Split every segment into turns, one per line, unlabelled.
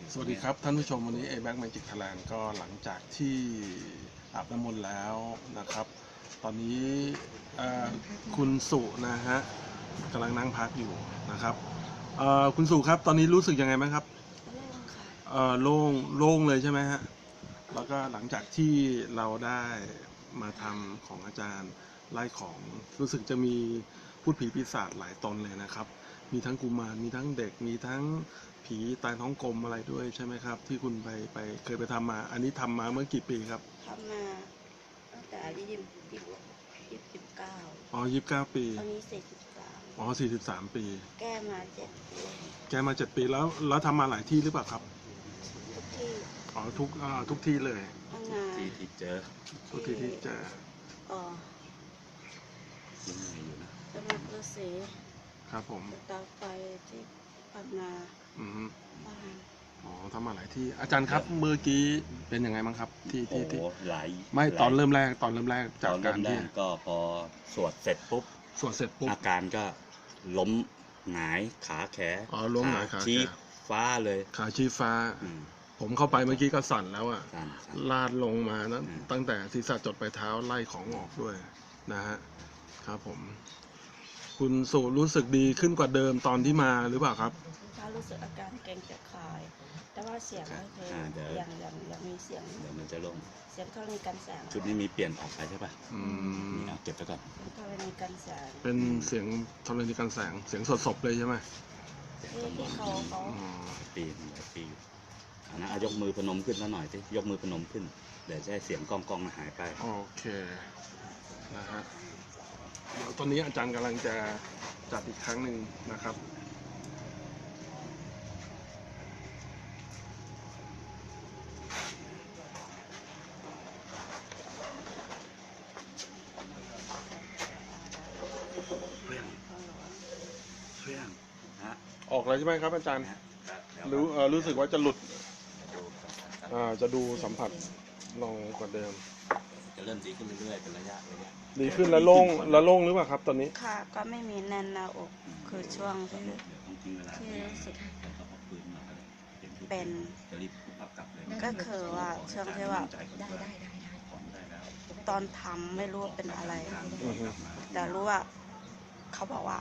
สวัสดีครับท่านผู้ชมวันนี้ A-Back Magic Thailand ก็หลังจากที่อาบน้ำมนต์แล้วนะครับ ตอนนี้คุณสุนะฮะกำลังนั่งพักอยู่นะครับคุณสุครับตอนนี้รู้สึกยังไงบ้างครับโล่งเลยใช่ไหมฮะแล้วก็หลังจากที่เราได้มาทำของอาจารย์ไล่ของรู้สึกจะมีพูดผีปีศาจหลายตนเลยนะครับ มีทั้งกุมารมีทั้งเด็กมีทั้งผีตายท้องกลมอะไรด้วยใช่ไหมครับที่คุณไปเคยไปทำมาอันนี้ทำมาเมื่อกี่ปีครับ
ทำมาตั้งแต่อายุ29
อ๋อ29 ปี
ตอนนี้43
อ๋อ43 ปี
แก้มา7 ปี
แกมา7 ปีแล้วทำมาหลายที่หรือเปล่าครับ
ทุกที่
อ๋อทุกที่เลย
ตั้งนาน
ที่เจอ
ทุกที่ที่เจอ
ยังไงอยู่นะ
สำนักฤาษี
ครับผม
ตาไฟที่พัฒนาบ้าน
อ๋อทำมาหลายที่อาจารย์ครับเมื่อกี้เป็นยังไงบ้างครับที่
หลาย
ไม่ตอนเริ่มแรกจากการที่
ก็พอสวดเสร็จปุ๊บอาการก็ล้มหงายขาแข
ล้มหงายขา
ชี้ฟ้าเลย
ขาชี้ฟ้าผมเข้าไปเมื่อกี้ก็สั่นแล้วอ่ะลาดลงมานั้นตั้งแต่ศีรษะจดปลายเท้าไล่ของออกด้วยนะฮะครับผมคุณสุรู้สึกดีขึ้นกว่าเดิมตอนที่มาหรือเปล่าครับ
ถ้ารู้สึกอาการเกร็งจะคลายแต่ว่าเสียงก็คือยังมีเสียง
เดี๋ยวมันจะลง
เสียงธรณีกันแสง
ชุดนี้มีเปลี่ยนออกไปใช่ป่ะมีเก็บไว้ก่อน
ธรณีกันแสง
เป็นเสียงธรณีกันแสงเสียงสดๆเลยใช่ไหม
ที่เขา
หลายปีนะยกมือพนมขึ้นแล้วหน่อยสิยกมือพนมขึ้นเดี๋ยวจะให้เสียงกองหายไป
โอเคนะฮะเดี๋ยวตอนนี้อาจารย์กำลังจะจัดอีกครั้งหนึ่งนะครับออกเลยใช่ไหมครับอาจารย์รู้สึกว่าจะหลุดจะดูสัมผัสลงกว่าเดิม
จะเริ่มดีขึ้นเรื่อยๆเป็นระยะ
ดีขึ้นแล้วโล่งหรือเปล่าครับตอนนี้
ค่ะก็ไม่มีแน่นหน้าอกคือช่วงที่รู้สึกเป็นก็คือว่าช่วงที่ว่าตอนทำไม่รู้ว่าเป็นอะไรแต่รู้ว่าเขาบอกว่า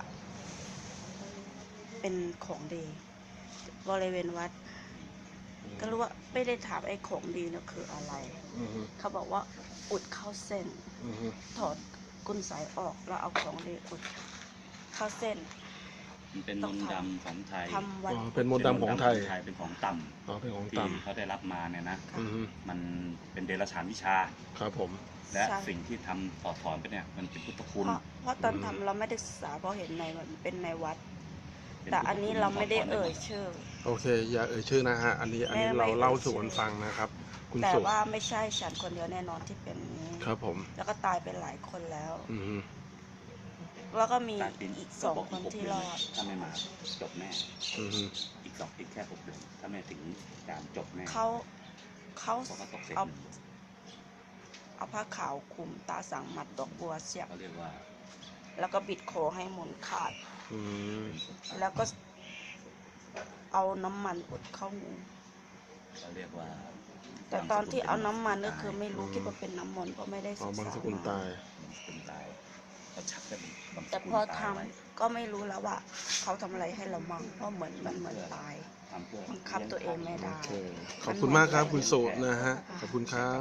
เป็นของดีบริเวณวัดก็รู้ว่าไม่ได้ถามไอ้ของดีนะคืออะไรเขาบอกว่าอุดเข้าเส้นถอดกุญไสออกแล้วเอาของดีอุดเข้าเส้น
มันเป็นมนต์ดำของไทย
เป็นมนต์ดำของไทย
เป็นของต่ำ
เป็นของต่ำ
ที่เขาได้รับมาเนี่ยนะมันเป็นเดรัจฉานวิชา
ครับผม
และสิ่งที่ทำถอนไปเนี่ยมันเป็นพุทธคุณ
เพราะตอนทำเราไม่ได้ศึกษาเพราะเห็นในมันเป็นในวัดแต่อันนี้เราไม่ได้เอ่ยชื่อ
โอเคอย่าเอ่ยชื่อนะฮะอันนี้เราเล่าสู่กันฟังนะครับคุณ
แต่ว่าไม่ใช่ฉันคนเดียวแน่นอนที่เป็นนี้
ครับผม
แล้วก็ตายไปหลายคนแล้วแล้วก็มีอีก2 คนที่รอด
ถ้าไม่มาจบแน่อีกแค่6 เดือนถ้าไม่ถึงการจบแน่
เขาเอาผ้าขาวคลุมตาสังมัดดอกบัวเสียบแล้วก็บิดโคให้หมุนขาดแล้วก็เอาน้ำมันอุดเข้าหู
เขาเรียกว่า
แต่ตอนที่เอาน้ำมันก็คือไม่รู้คิดว่าเป็นน้ำมนต์เพราะไม่ได้ศึกษา
บางสกุลตาย
แต่พอทำก็ไม่รู้แล้วว่าเขาทำอะไรให้เรามั่งเพราะเหมือนตายบังคับตัวเองไม่ได้
ขอบคุณมากครับคุณสุนะฮะขอบคุณครับ